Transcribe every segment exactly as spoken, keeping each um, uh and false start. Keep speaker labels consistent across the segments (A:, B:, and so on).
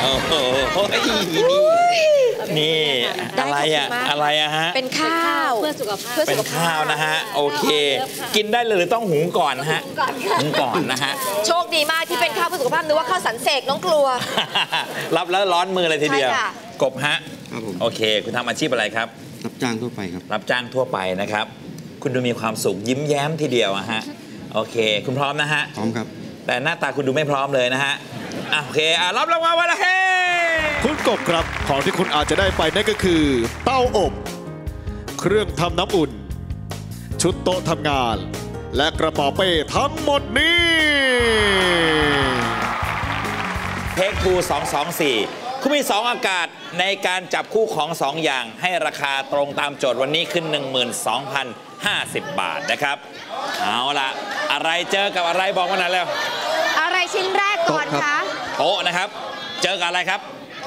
A: โอ้โหนี่อะไรอะอะไรอะฮะ
B: เป็นข้าว
C: เพื่อสุขภาพ
A: เป็นข้าวนะฮะโอเคกินได้เลยหรือต้องหุงก่อนฮะหุงก่อนนะฮะ
B: โชคดีมากที่เป็นข้าวเพื่อสุขภาพนึกว่าข้าวสันเสกน้องกลัว
A: รับแล้วร้อนมือเลยทีเดียวกบฮะ
D: ครับผม
A: โอเคคุณทำอาชีพอะไรครับ
D: รับจ้างทั่วไปครับ
A: รับจ้างทั่วไปนะครับคุณดูมีความสุขยิ้มแย้มทีเดียวอะฮะโอเคคุณพร้อมนะฮะ
D: พร้อมครับ
A: แต่หน้าตาคุณดูไม่พร้อมเลยนะฮะอ่ะโอเคอ่ะรับรางวัลวันละเฮ้
E: คุณกบครับของที่คุณอาจจะได้ไปนั่นก็คือเต้าอบเครื่องทำน้ำอุ่นชุดโต๊ะทำงานและกระเป๋าเป้ทั้งหมดนี้
A: เทคทูสองสองสี่คุณมีสองอากาศในการจับคู่ของสองอย่างให้ราคาตรงตามโจทย์วันนี้ขึ้น หนึ่งหมื่นสองพันห้าสิบ บาทนะครับเอาล่ะอะไรเจอกับอะไรบอกมาหน่อยแล้ว
B: อะไรชิ้นแรกก่อนคะ
A: โต๊ะนะครับเจอกับอะไรครับ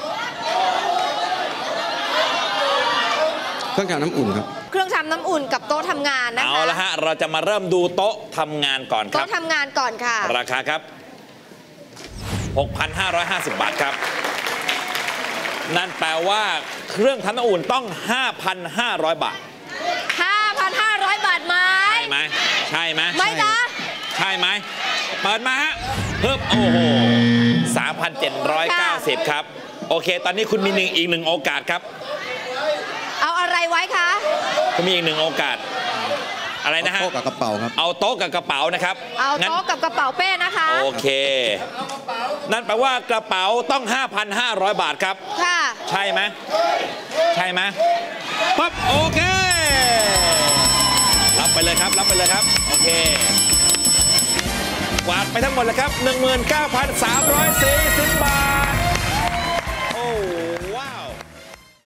D: เครื่องทำน้ำอุ่นครับ
B: เครื่องทำน้ำอุ่นกับโต๊ะทำงานนะคะ
A: เอาละฮะเราจะมาเริ่มดูโต๊ะทำงานก่อนครับ
B: โต๊ะทำงานก่อนค่ะ
A: ราคาครับ หกพันห้าร้อยห้าสิบ บาทครับนั่นแปลว่าเครื่องทำน้ำอุ่นต้อง ห้าพันห้าร้อย บาท
B: ห้าพันห้าร้อย บาทไหม
A: ใช่ไหมใช่ไหม
B: ไม่นะ
A: ใช่ไหมเปิดมาฮะเพิ่มโอ้โห สามพันเจ็ดร้อยเก้าสิบ ครับโอเคตอนนี้คุณมีหนึ่งอีกหนึ่งโอกาสครับ
B: เอาอะไรไว้คะ
A: คุณมีอีกหนึ่งโอกาสอะไรนะฮะ
D: โต๊ะกับกระเป๋าครับ
A: เอาโต๊ะกับกระเป๋านะครับ
B: เอาโต๊ะกับกระเป๋าเป้นะคะ
A: โอเคนั่นแปลว่ากระเป๋าต้อง ห้าพันห้าร้อย บาทครับ
B: ค่ะ
A: ใช่ไหมใช่ไหมปั๊บโอเครับไปเลยครับรับไปเลยครับโอเคกวาดไปทั้งหมดเลยครับ หนึ่งหมื่นเก้าพันสามร้อยสี่สิบ